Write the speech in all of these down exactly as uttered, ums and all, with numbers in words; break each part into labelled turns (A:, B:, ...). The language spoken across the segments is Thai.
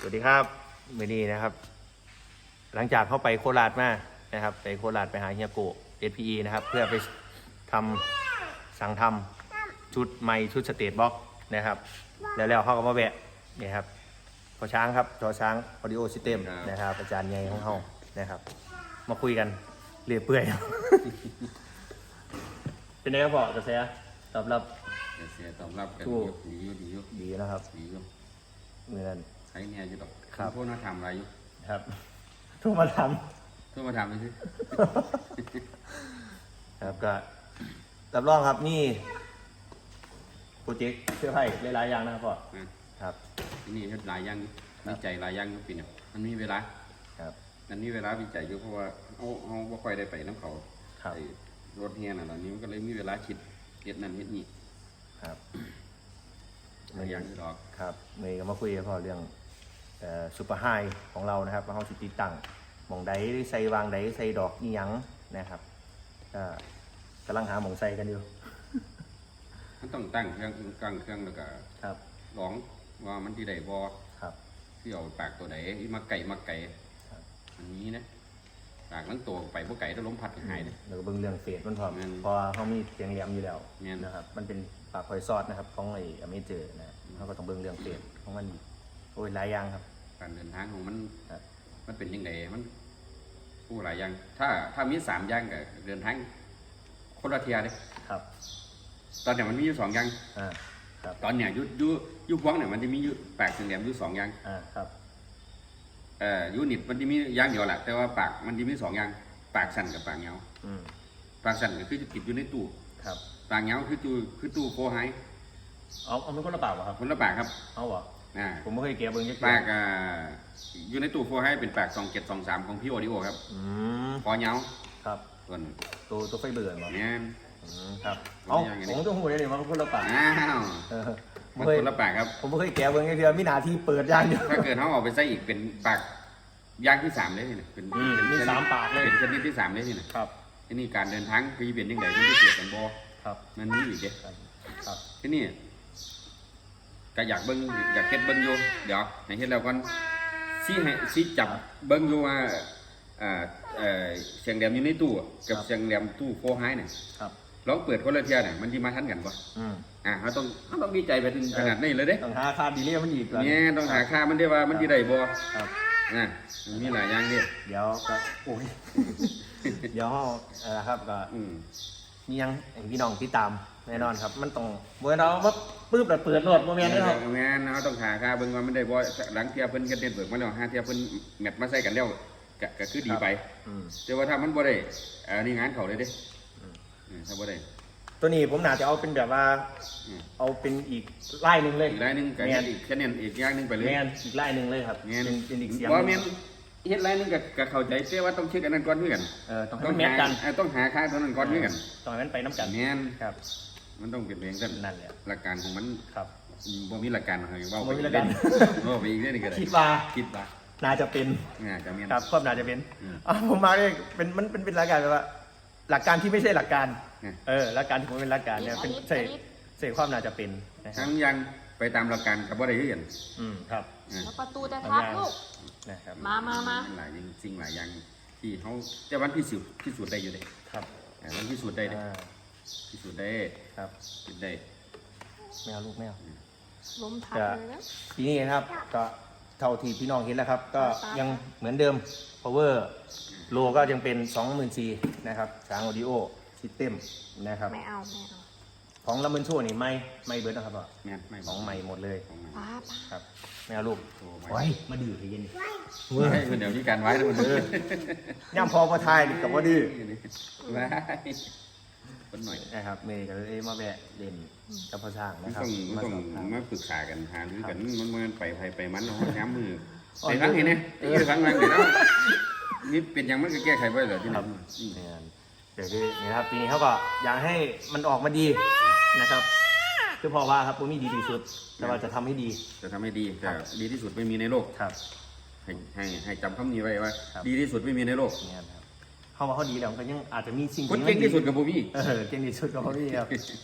A: สวัสดีครับเมดีนะครับ หลังจากเข้าไปโคราชมานะครับไปโคราชไปหาเฮียโกะ เอส พี อี นะครับเพื่อไปทำสั่งทำชุดไมค์ชุดสเตทบ็อกซ์นะครับแล้วแล้วเขาก็มาแวะนี่ครับพอช้างครับจอช้างออดิโอซิสเต็มนะครับอาจารย์ใหญ่ของเขานะครับมาคุยกันเรื่อยเปื่อย เป็นไงครับพ่อกระแสตอบรับ
B: เสียตอบรับกันดีอยู่ดีอยู่
A: ดีนะครับ
B: ดีอยู่
A: เหมือน
B: ใช้เนี่ยอยู่ดอก
A: ครับ
B: พวกน่าทำอะไรอยู่
A: ครับทุกมาท
B: เพื่อมาทำเลยสิ
A: ำครับก็รับรองครับนี่โปรเจกต์เสื้อผ้าหลายๆอย่างนะครับพ่อครับ
B: ที่นี่หลายอย่างวิจัยหลายอย่างอยู่ปีเนี่ยมันมีเวลา
A: ครับ
B: มันมีเวลาวิจัยอยู่เพราะว่าเอาเอาบ่ค่อยได้ไปน้ำเขา
A: ครับ
B: ไอ้รถเฮียน่ะตอนนี้มันก็เลยมีเวลาคิดเฮ็ดนั่นเฮ็ดนี่
A: ครับ
B: หลายอย่างที่ดอก
A: ครับเมย์ก็มาคุยกับพ่อเรื่องซูเปอร์ไฮของเรานะครับว่าเขาสิติดตั้งหม่องใดใส่วางใดใส่ดอกอีหยังนะครับก็กำลังหาหม่องใส่กันอยู่
B: มันต้องตั้งเครื่องตั้งเครื่องแล้วก็
A: ครับ
B: ลองว่ามันที่ใดบ่
A: ครับ
B: ที่เอาปากตัวไหนมาไก่มาไก่
A: ครับ
B: อันนี้นะปากทั้งตัวไปพวกไก่ถ้าล้มพัดก็หายเลย
A: แล้วก็เบิ่งเรื่องเฟสมันพร้อม
B: แม่น
A: เพอเขามีเสียงแหลมอยู่แล้ว
B: แม่น
A: นะครับมันเป็นปากคอยซอดนะครับของไอ้อเมเจอร์นะเขาก็ต้องเบิ่งเรื่องเฟสของมันโอ้ยหลายอย่างครับ
B: การเดินทางของมัน
A: ครับ
B: มันเป็นยังไงมันผู้หลายอย่าง ถ้าถ้ามีสามอย่างกับเดินทางคนละเทียเลย
A: ครับ
B: ตอนเนี้ยมันมีอยู่สองอย่าง
A: อ่าครับ
B: ตอนเนี้ยยุยุยุพวงเนี่ยมันจะมีอยู่ปากถึงแหลมอยู่สองอย่าง
A: อ่าครับ
B: เอ่อยูนิตมันจะมีอย่างเดียวแหละแต่ว่าปากมันจะมีสองอย่างปากสั่นกับปากเหงา
A: อืม
B: ปากสั่นก็คือจะติดอยู่ในตู้
A: ครับ
B: ปากเหงาคือตู้คือตู้โฟไฮ
A: เอาเอาเป็นคนละปากเหรอครับ
B: คนละปากครับ
A: เอาเหรอ
B: อ่า
A: ผมไม่เคยเก็บเบิ่งจัก
B: ปากอ่าอยู่ในตู้โฟไฮเป็นปากสองเจ็ดสองสามของพี่โอดิโอครับ
A: อืม
B: คอเหงา
A: ครับ
B: ส่วน
A: ตัวตัวไฟเบื่อเหรอ
B: เนี่ย
A: อืมครับ
B: มัน
A: เอา
B: เป็นยังไง
A: ผมต้องหูได้เลยว่าคนละปาก
B: อ้าว
A: เออ
B: มั
A: ไม่
B: น
A: เคย
B: คนละปากครับ
A: ผมไม่เคยแกะเบิ่งจักเทื่อมีหน้าที่เปิดอย่างเดียว
B: ถ้าเกิดเขาเออกไปใส่อีกเป็นปากย่างที่สามเลยนี่นะเป็น
A: อืม
B: เป็น
A: มี
B: ชนิด
A: สามปากเลย
B: เป็นชนิดที่สามเลยนี่นะครับ ที่นี่การเดินทางคือเป็นยังไงมันจะเกิดกันบ่
A: ครับ
B: มันมีอีกเด้
A: ครับครับ
B: ที่นี่ก็อยากเบิ้งอยากเฮ็ดเบิ้งอยู่เดี๋ยวให้เฮ็ดแล้วก่อนสิให้สิจับเบิ้งอยู่ว่าอ่าเอ่อเสียงแหลมอยู่ในตู้อะกับเสียงแหลมตู้โฟไฮเนี่ย
A: ครับ
B: ลองเปิดคนละเที่ยเนี่ยมันสิมาทันกันบ่
A: อืม
B: อ่าเราต้องเราต้องดีใจไปถึงขนาดนี้เลยเด้
A: ต้องหาค่าดีเลียมันอีกก่อน
B: เนี่ยต้องหาค่ามันได้ว่ามันสิได้บ่
A: ครับ
B: อ่ะมันมีหลายอย่างเด้
A: เดี๋ยวก็โอ้ย เดี๋ยวเราเออครับก็
B: อืม
A: มียังให้พี่น้องติดตามแน่นอนครับ มันต้องเมื่อเราว่าปื้บแล้วเปิดโหลดโมเมนต์นะครับ
B: แม่นเราต้องหาค่าเบิ่งว่ามันได้บ่หลังเที่ยเพิ่นก็เด็ดเบิกมาแล้วหาเที่ยเพิ่นแมทมาใส่กันแล้วก็ก็คือดีไป
A: อืม
B: แต่ว่าถ้ามันบ่ได้อันนี้งานเขาเลยเด้อืมถ้าบ่ได้
A: ตัวนี้ผมน่าจะเอาเป็นแบบว่า
B: อืม
A: เอาเป็นอีกไล่หนึ่งเลย
B: อีกรายหนึงก็
A: แม
B: เฮ็
A: น
B: ดอีกคะแนนอีกอย่างหนึงไปเลย
A: แมนอีกไล่หนึ่งเลยครับ
B: แม่น
A: เป็นเป็นอีกเสียง
B: บ่
A: ห
B: แม่
A: นึ่
B: น
A: ง
B: เฮ็ดรายหนึงก็ก็เข้าใจแต่ว่าต้องเช็คอันนั้นก่อนคือกัน
A: เออต้องให้มันแมทกัน
B: หาเออต้องหาค่าตัวนั้นก่อนคือกัน
A: ตอนนั้นไปน้ำกัน
B: แม่น
A: ครับ
B: มันต้องเป็นเองกัน
A: นั่นแหละ
B: หลักการของมัน
A: ครับ
B: บ่มีหลักการอะไรเว้า
A: บ่มีหลักการ
B: เว้าไปอีกเรื่องนึงก็ได้
A: คิดว่า
B: คิดว่า
A: น่าจะเป็น
B: อ่าก็แม่น
A: ครับความน่าจะเป็น
B: อืม
A: อ่ะผมมาเนี่ยเป็นมันเป็นเป็นหลักการแบบว่า หลักการที่ไม่ใช่หลักการ
B: อืม
A: เออหลักการที่ผมเป็นหลักการเนี่ยเป็นใส่ใส่ความน่าจะเป็นนะครั
B: ทั้
A: บ
B: งยังไปตามหลักการกับบ่ได้คือกัน
A: อืมครับ
B: อ่า
C: แล้วประตูจะทับลูก
A: นะครับ
C: มามามา
B: หลายอย่างสิ่งหลายอย่างที่เขาแต่วันพิสูจน์พิสูจน์ได้อยู่เด้
A: ครับ
B: อ่ามันพิสูจน์ได้เด้
A: อ่า
B: พิสูจน์ได้
A: ครับ
B: พิสูจน์ได้
A: ไม่เอาลูกไม่เอา
C: ล้มทับเลยนะ
A: ทีนี้นะครับก็เท่าที่พี่น้องเห็นแล้วครับ ก็ยังเหมือนเดิม power โลก็ยังเป็น สองหมื่นสี่ นะครับช้าง audio system นะครับ
C: ไม่เอาไม่เอา
A: ของลำเบินโชว์นี่ไม่ไม่เบิร์ดนะครับพ่อ
B: แม่นไม่
A: ของใหม่หมดเลย
B: ของใหม่
C: ป้าป้า
A: ครับไม่เอาลูก
B: โอ้
A: ไว้มาดื้อให้เย็น
B: ให้คนเดี๋ยวนี้การไว้แล้วมัน
A: เออย่ำพอพอทายนี่กับว่าดื้อ
B: ไว้คนหน่อย
A: นะครับเมย์ก็เลยมาแวะเล่นกับพ่อช้าง
B: มัน
A: นะครับ
B: ต้องมัน
A: มา
B: ต้อง
A: สอบถาม
B: มาปรึกษากันหารือกันมันมันไปไปไปมันเนาะย้ำมือ
A: อ่อน
B: ไปฟังเห็นไหม
A: เออ
B: ไปฟังฟังเห็นแล้วนี่เป็นยังมันก็แก้ไขไว้เหรอที่
A: ค
B: ไหน
A: รับเนี่ยเดี๋ยวคือนี่นะครับปีนี้เขาก็อยากให้มันออกมาดีนะครับคือพอว่าครับผมมีดีที่สุด แต่ว่าจะทำให้ดี
B: จะทำให้ดีแต่ดีที่สุดไม่มีในโลก
A: ครับ
B: ให้ให้ให้จำคำนี้ไว้ว่า
A: ครับ
B: ดีที่สุดไม่มีในโลก
A: เนี่ยครับเขาว่าเขาดีแล้วมันก็ยังอาจจะมีสิ่ง
B: คน
A: ที่
B: เก่งที่สุดกับผมพี่
A: เออเก่งที่สุดก็เขาดีครับ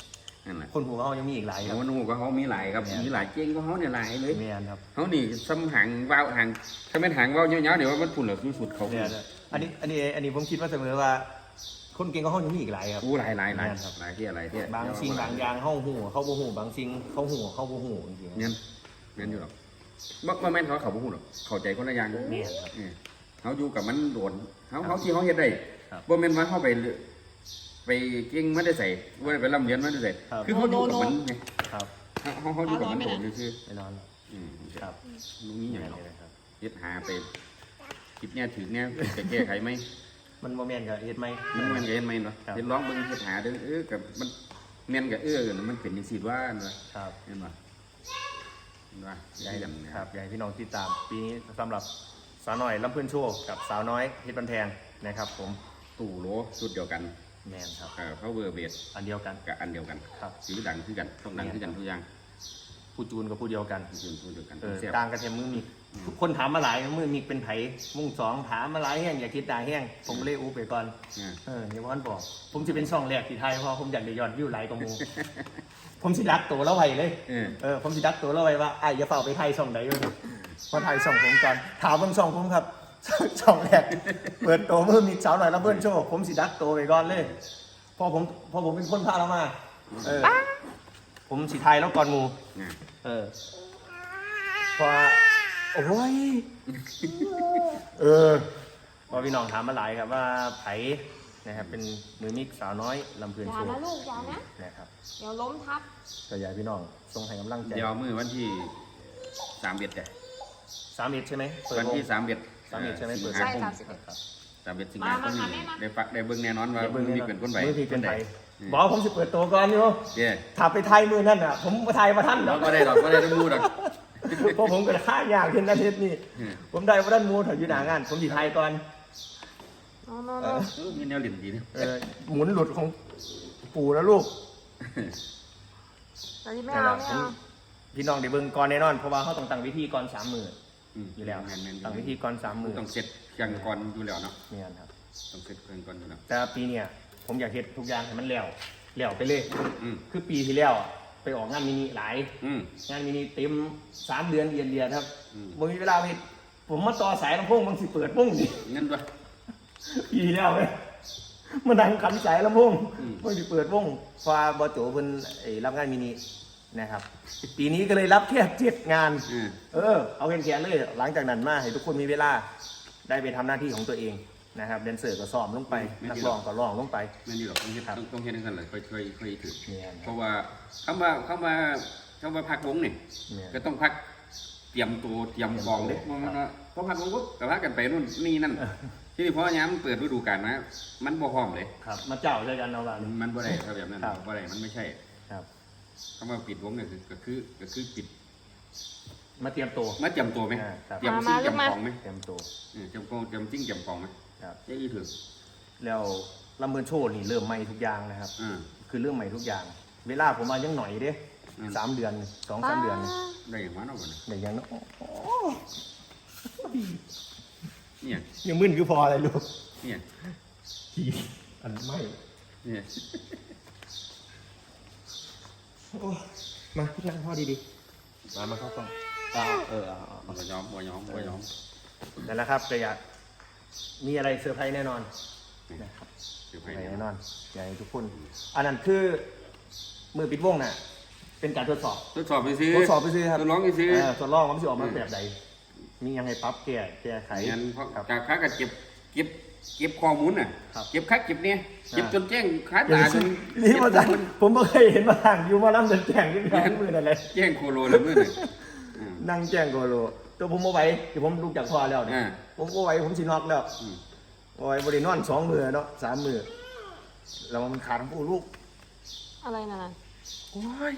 B: นั่นแหละ
A: คนหูเขายังมีอีกหลายครับ
B: มันหูก็เขามีหลายครับ
A: แม่น
B: มีหลายเจ๊งก็เขาเนี่ยหลายเลย
A: เมียนครับ
B: เขานี่ซ้ำหางวาวหางถ้าเป็นหางวาวเยอะๆเดี๋ยวมันพุ่นเหลือสุดๆเขา
A: เมียนอันนี้อันนี้อันนี้ผมคิดว่าเสมอว่า คนเก่งก็เขายังมีอีกหลายครับ
B: อู้หลายหลายหลาย
A: แม่นครับ
B: หลายที่อะไรที่
A: บางสิ่งบางอย่างเข้าหูเข้าบ่หูบางสิ่งเข้าหูเข้าบ่หูจริงๆ
B: เงี้ยเงี้ยอยู่หรอกบ่บ่แม่นเขาเขาบ่ฮู้หรอกเข้าใจคนละอย่าง
A: แม่นครับ
B: เออเขาอยู่กับมันโดนเขาเขาที่เขาเฮ็ดได้
A: ครับ
B: บ่แม่นว่าเขาไปไปเก่งมันได้ใส่บ่ได้ไปร่ำเรียนมันได้ใส่
A: ครับ
B: คือเขาอยู่กับมันไง
A: ครับ
B: เขาเขาอยู่กับมันโดนซื่อ
A: แน่นอน
B: ๆอืม
A: ครับ
B: ลุงนี้อย่าง
A: แม่น
B: เนาะ
A: เลยครับ
B: เฮ็ดหาไปคลิปเนี้ยถึงเนี้ยจะแก้ไขไหม
A: มันโมเมนต์กับเฮ็ดไหม
B: มันแม่นก็เฮ็ดไหมเนาะ
A: ครับ
B: เฮ็ดร้องเบิ่งเฮ็ดหาเด้อเออกับมันแม่นก็เออมันเป็นจังซี่ว่าเนาะ
A: ครับ
B: เห็นบ่เห็นบ่
A: ใหญ่
B: กันนะ
A: ครับใหญ่พี่น้องติดตาม ปีนี้สำหรับสาวน้อยลำเพื่อนโชว์กับสาวน้อยเฮ็ดบันแพงนะครับ ผม
B: ตู้โหลชุดเดียวกัน
A: แมนครับ
B: เอ่อ power base
A: อันเดียวกัน
B: กับอันเดียวกัน
A: ครับ
B: สีดังคือกันต้องดังคือกันทุกอย่าง
A: ผู้จูนกับผู้เดียวกัน
B: คือผู้เดียวกัน
A: เออ
B: เสียบ
A: ต่างกันแค่มือมีทุกคนถามมาหลายมือมีเป็นไผมุ่งสองถามมาหลายแห้งอย่าคิดตาแห้งผมเลยอูไปก่อน
B: เนี่ย
A: เอออย่าว่าบอก ผมจะเป็นช่องแรกที่ไทยเพราะผมอยากได้ยอดวิวหลายกว่าหมู ผมสิดักตัวแล้วไว้เลย
B: เออ
A: เออผมสิดักตัวแล้วไว้ว่าไอ้อย่าเฝ้าไปไทยช่องใดเลยเพราะไทยช่องผมก่อนถามเบิ่งช่องผมครับ ช่องแรกเปิดตัวมือมีสาวหน่อยแล้วเบิ้ลโชว์ผมสิดักตัวไปก่อนเลยเพอผมเพอผมเป็นคนพาเรามาเออผมสิไทยแล้วก่อนหมู
B: เนี่ย
A: เออพอโอ้ย เออพอพี่น้องถามมาหลายครับว่าไผนะครับเป็นมือมิกสาวน้อยลำเพลิน
C: อย่า
A: โชว์
C: นะลูกอย่านะ
A: นะครับ
C: เดี๋ยวล้มทับ
A: ก็อยากให้พี่น้องส่งให้กำลังใจ
B: เดี๋ยวมือวันที่สามเอ็ดจ้ะ
A: สามเอ็ดใช่ไหมเปิด
B: วัน
A: วง
B: ที่สามเอ็ด
A: สามเอ็ดใช่ไหมเปิด
B: สิง
A: ว
B: หาง คม
A: ครับ
B: สามเอ็ดสิงหาคม
C: มามา
B: นี้
C: มาแม่มา
B: ได้ฟักได้เบิ่งแน่นอนว่า
A: เดี๋ยวเบิ่ง
B: มือ
A: แน่
B: มี
A: นอน
B: เป็นคนใบ
A: มือพี่เป็นไป
B: อืม
A: บอกว่าผมสิเปิดตัวก่อนอยู่
B: เย้
A: ถ้าไปไทยมือนั่นอ่ะ ผมไปไทยมาท่าน
B: เรา
A: เนาะ
B: ก็ได้ดอกก็ได้ต้องมูดอก
A: เพราะผมก็ค่ายากขึ้นอาทิตย์นี้
B: อืม
A: ผมได้ว่าด้านมูถอยอยู่หนางาน ผมสิไทยก่อน
C: โน่โน่
A: เอ
C: โน่
A: อ
B: เออมีแนวเหลี่ยมดีนะ
A: เออหมุนหลุดของปู่แล้วลูก
C: ตอนนี้ไม่เอาไม่เอา
A: พี่น้องเดี๋ยวเบิ่งก่อนแน่นอนเพราะว่าเขาต้องตั้งวิธีก่อนสามมือ
B: อืม
A: อยู่แล้ว
B: แม่นๆ
A: ตั้งวิธีก่อนสามมือ
B: ต้องเสร็จเครื่องก่อนอยู่แล้วเนาะ
A: เนี่ยครับ
B: ต้องเสร็จเครื่องก่อนอยู่แล้ว
A: แต่ปีเนี้ยผมอยากเฮ็ดทุกอย่างให้มันแล้วแล้วไปเลย
B: อืม
A: คือปีที่แล้วอะไปออกงานมินิหลาย
B: อืม
A: งานมินิเต็มสามเดือนเรียนเรียนครับ
B: อืม
A: บ่มีเวลาไปเฮ็ดผมมาต่อสายลำโพงบางสิเปิดวงนี่
B: เงินด้วย
A: ปีที่แล้วเลยมานั่งขันสายลำโพง
B: อืม
A: บางสิเปิดวงฟ้าบอโจเพิ่นไอ้รับงานมินินะครับ ปีนี้ก็เลยรับแค่เจ็ดงาน
B: อืม
A: เออเอาแขนๆเลยหลังจากนั้นมาให้ทุกคนมีเวลาได้ไปทำหน้าที่ของตัวเองนะครับแดนเซอร์ก็ซ้อมลงไปนักร้องก็ร้องลงไป
B: ไม่ดีหรอกต้องเฮ็ด
A: ครับ
B: ต้องต้องเฮ็ดให้กันเลยค่อยค่อยค่อยถือ
A: เนี่ยนะ
B: เพราะว่าคำว่าคำว่าคำว่าพักวงนี่
A: เนี่ย
B: ก็ต้องพักเตรียมตัวเตรียมกองเด้
A: เตรียมตัว
B: มันว่าพอพักวงปุ๊บก็พักกันไปนู่นนี่นั่นที่นี่พอยามเปิดฤดูกาลมามันบ่พร้อมเลย
A: ครับมาเจ้าด้วยกันเอาละ
B: มันบ่ได้ถ้าแบบนั้น
A: ครับ
B: บ่ได้มันไม่ใช่
A: ครับ
B: คำว่าปิดวงเนี่ยคือก็คือก็คือปิด
A: มาเตรียมตัว
B: มาเตรียมตัวไหม
A: อ่าครับ
B: เตรียมซิ่งเตรียมของไหม
A: เตรียมตัว
B: เออเตรียมกองเตรียมซิ่งเตรียมของไหม
A: ครับ
B: เจ๊อีถือ
A: แล้วลำเบินโชว์นี่เริ่มใหม่ทุกอย่างนะครับ
B: อ่า
A: คือเรื่องใหม่ทุกอย่าง เวลาผมมายังหน่อยเด้
B: อืม
A: สามเดือนสองสามเดือน
B: ได้อย่างว่าเนาะบ่เนี่ย
A: แต่ยังโอ้โห
B: เนี่ย
A: ยังมึนคือพออะไรลูก
B: เนี่ย
A: ทีอันไม่
B: เนี่ย
A: โอ้มาพี่นั่งพ่อดีๆมามาเข้ากล้องเอาเออเอาเอาเอา
B: บ่ยอมบ่ยอมบ่ยอม
A: นั่นแหละครับก็อยากมีอะไรเซอร์ไพรส์แน่นอนนะครับ
B: เดี๋ยว
A: เซ
B: ไป
A: อร์ไพรส์
B: แน่
A: แน่
B: น
A: น
B: อ
A: อน นอยากให้ทุกคน อันนั้นคือมือปิดวงน่ะ เป็นการทดสอบ
B: ทดสอบไปซื้อ
A: ทดสอบไปซื้อครับ
B: ทดลองไปซื้อ
A: เทดลองว่ามันจะออกมาแบบใด มียังไงปรั๊บแก้แก้ไข
B: งั้นเพราะ
A: ครับ
B: จากค้าก็เก็บเก็บเก็บข้อมูลน่ะ
A: ครับ
B: เก็บคักเก็บเนี่ยเก็บ
A: อ่า
B: จนแจ้งค้า
A: เดี๋ยว
B: ตาจ
A: สิ
B: น
A: นี่มาจากผมไม่เคยเห็นมาทางอยู่มาล่ำเดินแจ้งที่ร้านมือนั่นเลย
B: แจ้งโคโลแล้วมื้อนึงอืม
A: นั่งแจ้งโกโลตัวผมเอาไว้เดี๋ยวผมลุกจากพ่อแล้วเนี่ย
B: อ่า
A: ผมเอาไว้ผมสินอกแล้ว
B: อืม
A: เอาไว้บริโนอนสองมือเนาะสามมือแล้วมันขาดผู้ลูก
C: อะไรนั่นน่ะ
A: โอ้ย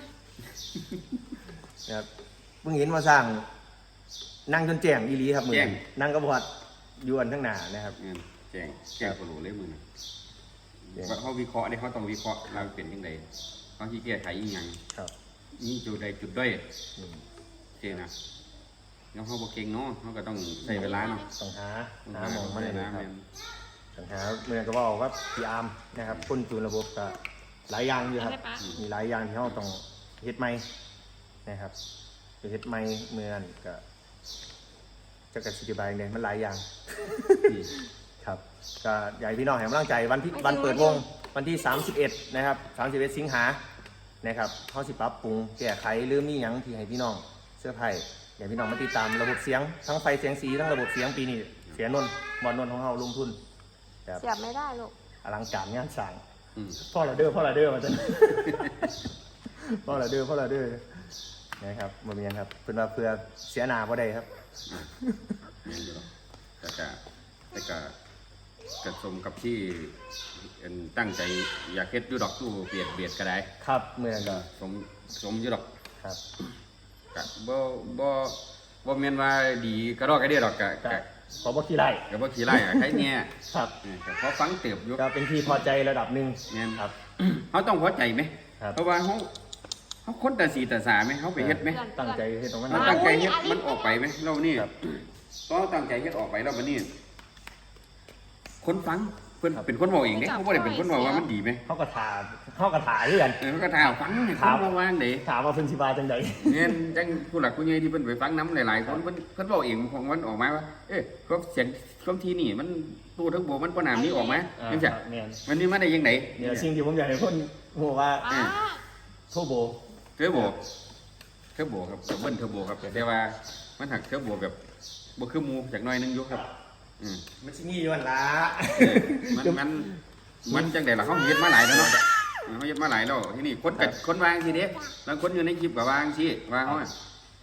A: นะครับเพิ่งเห็นมาสร้าง นั่งจนแจ้งอีหลีครับมือนี้นั่งกระพอดยวนทั้งหนานะครับ
B: อืมแจ้งแจ้งโคโลเลยมื้อนึง
A: แจ้ง
B: ว่าเขาวิเคราะห์ได้เขาต้องวิเคราะห์เราเป็นจังไดเขาสิแก้ไขอีหยัง
A: ครับ
B: นี่จุดใดจุดด้อย
A: อืม
B: โอเคนะแล้วเขาบ่เก่งเนาะเขาก็ต้องใช้เวลาเนาะ
A: ต้องหา
B: ต้อง
A: หาหมองมาเลย
B: นะ
A: นะครับ
B: แม่น
A: ต้องหาเมื่อก็บอกว่าพี่อาร์มนะครับคนจูนระบบก็คหลายอย่างอยู่ครับ
C: ได้ปะ
A: มีหลายอย่างที่เราต้องเฮ็ดใหม่นะครับไปเฮ็ดใหม่เมื่อนั้นก็จะกระสิบใบเนี่ยมันหลายอย่าง ครับก็อยากให้พี่น้องให้กำลังใจวันที่วันเปิดวงวันที่สามสิบเอ็ดนะครับสามสิบเอ็ดสิงหานะครับเขาสิปรับปรุงแก้ไขหรือมีหยังที่ให้พี่น้องเสื้อผ้าอยากให้พี่น้องมาติดตามระบบเสียงทั้งไฟเสียงสีทั้งระบบเสียงปีนี้เสียนนท์บอลนนท์ของเราลงทุนแบบ
C: เสียบไม่ได้ลูก
A: อลังการงานสร้าง
B: อืม
A: พ่อเราเด้อพ่อเราเด้อมาจน พ่อเราเด้อพ่อเราเด้อนะครับมาเมียนครับเพื่อนว่าเพื่อเสียหนาพอได้ครับ
B: แม่นอยู่หรอกแต่ก็แต่ก็กระสมกับที่เอิ่นตั้งใจอยากเฮ็ดอยู่ดอกตู้เบียดเบียดก็ได้
A: ครับเมื่อก็
B: สมสมอยู่ดอก
A: ครับ
B: ก็บ่บ่บ่แม่นว่าดีกระดอกกระเดียดอกก็
A: ก็
B: ก็
A: ขอบอกขี้ไล่
B: ก็บ่ขี้ไล่อะใครเนี่ย
A: ครับ
B: เออก็พอฟังเติบอยู่
A: ก็เป็นที่พอใจระดับหนึ่ง
B: แม่น
A: ครับ
B: เฮาต้องพอใจไหม
A: ครับ
B: เพราะว่าเฮาเฮาคนแต่สีแต่สาไหมเฮาไปเฮ็ดไหม
A: ตั้งใจให้ตรงนั้น
B: เรา
A: นะ
B: ตั้งใจเฮ็ดมันออกไปไหมเรานี่
A: ครับ
B: ก็ตั้งใจเฮ็ดออกไปแล้วมันนี่คนฟังเพิ่นเป็นคนบอกเองเด้เขาบ่ได้เป็นคนบอกว่ามันดีไหม
A: เขาก็ถาเขาก็ถาเรื่อน
B: เออเขาก็ถามฟังให้คนมาวางเด้
A: ถามว่าเพิ่นสิบาจังใด
B: เนี่ยจังผู้หลักผู้ใหญ่ที่เพิ่นไปฟังน้ำหลายๆคนเพิ่นเพิ่นบอกเองของมันออกมาว่าเอ้ยก็เสียงความทีนี่มันตู้ทั้งโบมันบ่น้ำนี้ออกมา
A: อ่า
B: จังซี่
A: เนี่ย
B: มันนี่มาได้ยังไง
A: เนี่ยสิ่งที่ผมอยากให้เพิ่นฮู้ว่า
C: ป้า
A: โทโบ
B: เทอร์โบเทอร์โบครับเบิ้ลเทอร์โบครับแต่ว่ามันหักเทอร์โบแบบบ่คือหมูจากหน้อยนึงอยู่ครับอืม
A: มันสิมีอยู่หั่นล่ะ
B: เออมันมันมันจังได๋ล่ะเขาเฮ็ดมาหลายแล้วเนาะเออเขาเฮ็ดมาหลายแล้วที่นี่คนกับคนวางสิเด้บางคนอยู่ในคลิปก็วางสิวางเขาอะ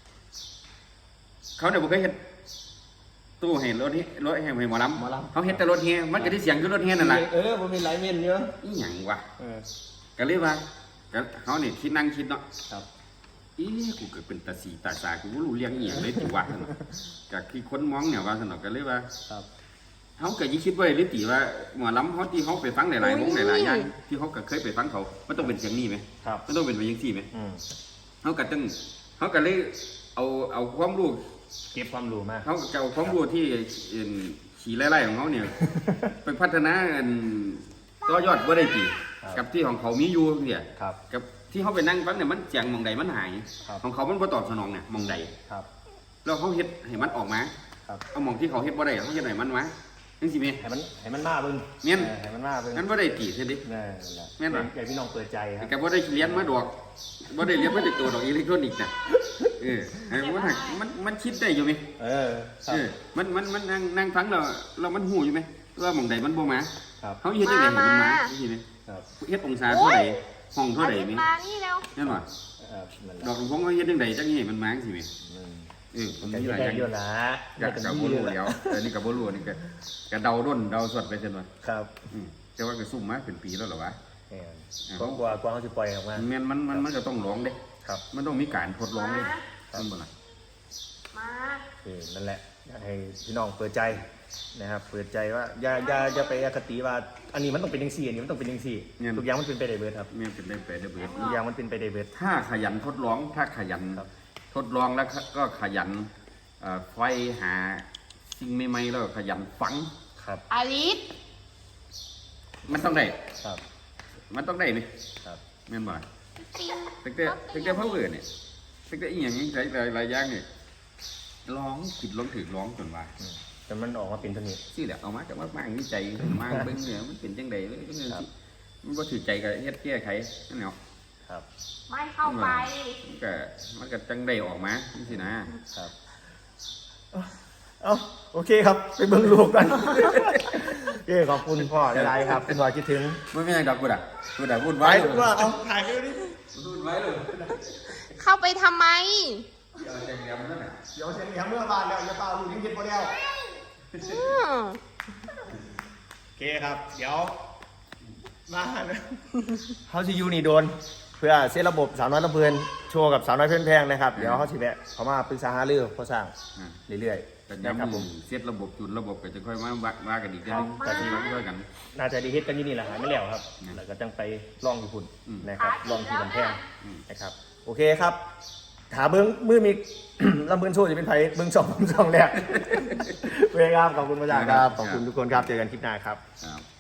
B: เขาเนี่ยบ่เคยเฮ็ดตู้ให้รถเฮรถให้ให้หมอลำเขาเฮ็ดแต่รถเฮมันก็ได้เสียงคือรถเฮนั่นแหละ
A: เออบ่มีหลายเม่นเยอะ
B: อีหยังวะ
A: เออ
B: ก็เลยว่าก็เขาเนี่ยคิดนั่งคิดเนาะ
A: ครับ
B: อีกูเกิดเป็นตาสีตาสากูบ่รู้เรื่องอีหยังเลยติว่าซั่นเนาะก็คือคนมองเนี่ยว่าซั่นเนาะก็เลยว่า
A: ครับ
B: เฮาก็ยิ่งคิดไว้เลยติว่าหมอลำเฮาที่เฮาไปฟังหลายๆวงหลายๆอย่างที่เฮาก็เคยไปฟังเขามันต้องเป็นเสียงนี้ไหม
A: ครับ
B: มันต้องเป็นไปจังซี่ไหม
A: อืม
B: เขาก็ต้องเขาก็เลยเอาเอาความรู้
A: เก็บความรู้มา
B: เขาจะเอาความรู้ที่เอิ่นขี่ไล่ๆของเขาเนี่ย ไปพัฒนาอันต่อยอดว่าได้กี่
A: ครับ
B: กับที่ของเขามีอยู่เนี่ย
A: ครับ
B: กับที่เขาไปนั่งฟังเนี่ยมันเสียงหมองใดมันหาย
A: ครับ
B: ของเขามันบ่ตอบสนองเนี่ยหมองใด
A: ครับ
B: แล้วเขาเฮ็ดให้มันออกมา
A: ครับ
B: เอาหมองที่เขาเฮ็ดบ่ได้เขาเฮ็ดให้มันมาจังซี่แม่
A: ให้มันให้มันมาเบิ่ง
B: แม่น
A: ออให้มันมาเบิ่ง
B: งั้นบ่ได้ตีเท่าดิ
A: นั่นแหละ
B: แม่นบ่
A: อยากให้พี่น้องเปิดใจครับ
B: ก็บ่ได้เรียนมาดอกบ่ได้เรียนมาจากตัวดอกอิเล็กทรอนิกส์น่ะเออไอ้มันหักมันมันคิดได้อยู่ไหม
A: เออครั
B: เอบ อมัน มัน มันนั่งนั่งฟังเราเรามันหูอยู่ไหมว่าหม่องใดมันบ่มา
A: ครับ
B: เขาเฮ็ดจังได๋ให้มันมาใช่ไหม
A: ครับ
B: เฮ็ดองศาเท่าใดห้องเท่าใด
C: อ
B: แม่
C: ลิศมานี่แล้ว
B: นั่นว่า
A: เออนั่นแห
B: ด
A: ละ
B: อกหลวงพ่อเขาเฮ็ดจังไดจังให้มันมาจังซี่แม่
A: อืม
B: เออมัน
A: ก็
B: มี
A: เฮ็
B: ห
A: ด
B: ลายอ
A: ได้
B: ย่าง
A: อยู่นะ
B: ก็ก็บ่รู้แล้วเออนี่ก็บ่รู้นี่ก็ก็เดาด้นเดาสดไปซั่นว่า
A: ครับ
B: อืมแต่ว่าก็ซุ่มมาเป็นปีแล้วเหรอวะ
A: แม่นกว่ากว่ากว่าเขาสิปล่อยออกมา
B: แม่นมันมันมันก็ต้องลองเด้
A: ครับ
B: มันต้องมีการทดลองเด้ซั่นบ่ล่ะ
C: มา
A: เออนั่นแหละอยากให้พี่น้องเปิดใจนะครับเปิดใจว่าอย่าอย่าอย่าไปอคติว่าอันนี้มันต้องเป็นจังซี่อันนี้มันต้องเป็นจังซี่ทุกอย่างมันเป็นไปได้เบิดครับ
B: แม่นเป็นได้ไปได้เบิด
A: ทุกอย่างมันเป็นไปได้เบิด
B: ถ้าขยันทดลองถ้าขยัน
A: ครับ
B: ทดลองแล้วก็ขยันเอ่อไฟหาสิ่งใหม่ๆแล้วก็ขยันฟัง
A: ครับ
C: อลิศ
B: มันต้องได้
A: ครับ
B: มันต้องได้นี่
A: ครับ
B: แม่นบ่ตั้งแต่ตั้งแต่เพิ่งเกิดเนี่ยตั้งแต่อีหยังหลายหลายหลายอย่างเนี่ยร้องผิดร้องถือร้องจนว่า
A: อืมแต่มันออกมาเป็นตัวนี้
B: สิแหละเอามาจากมามางวิจัยมาเบิ่งเนี่ยมันเป็นจังได๋เลยจัง
A: ครับ
B: ซี่มันบ่ถือใจก็เฮ็ดแก้ไขนั่นแหละ
A: ครับ
C: ไม่เข้าไป
B: มันก็มันก็จังได้ออกมาจังซี่นะครับ
A: เอาโอเคครับ ไปเบิ่งลูกกัน โอเคขอบคุณพ่อหลายๆครับเป็นว่าคิดถึง
B: บ่มีหยังดอกกูด่ะกูด่ะวุ่น
A: ไป
B: วาย
A: ว่าเอาถ่ายไปดิ
B: วุ่นวายเลย
C: เข้าไปทำไม
B: เอาจังแหลมนั่นน่ะ
A: เดี๋ยวเสียงเหลียงเมื่อบานแล้วอย่าเปล่าลูกยังเก็บพอแล้ว
C: อืม
A: โอเคครับ เดี๋ยวมาเขาจะยูนี่โดน เพื่อเซตระบบสาวน้อยลำเพลินโชว์กับสาวน้อยเพื่อนแพงนะครับ เดี๋ยวเขาสิแวะเขามาปรึกษาหารือเขาสร้าง
B: อ่า
A: เรื่อย
B: แต่
A: ๆ
B: ย้ำ
A: นะครับผม
B: เซตระบบจุดระบบก็จะค่อยมาว่าว่ากันอีกทีนึง
A: ครับ
B: แต่ที่มาช่วยกัน
A: น่าจะดีเฮ็ดกันอยี่นี่แหละหายไม่แล้วครับ
B: อืม
A: แล้วก็จังไปลองอยู่พุ่น
B: อืม
A: นะครับลองที่ลำแพง
B: อืม
A: นะครับ โอเคครับ ถาเบิ้งมือมี ลำเพลินโชว์จะเป็นไผเบิ้งสองสองแรก โอเคครับขอบคุณพระเจ้าครับ ขอบคุณทุกคนครับ เจอกันคลิปหน้าครับ
B: ครับ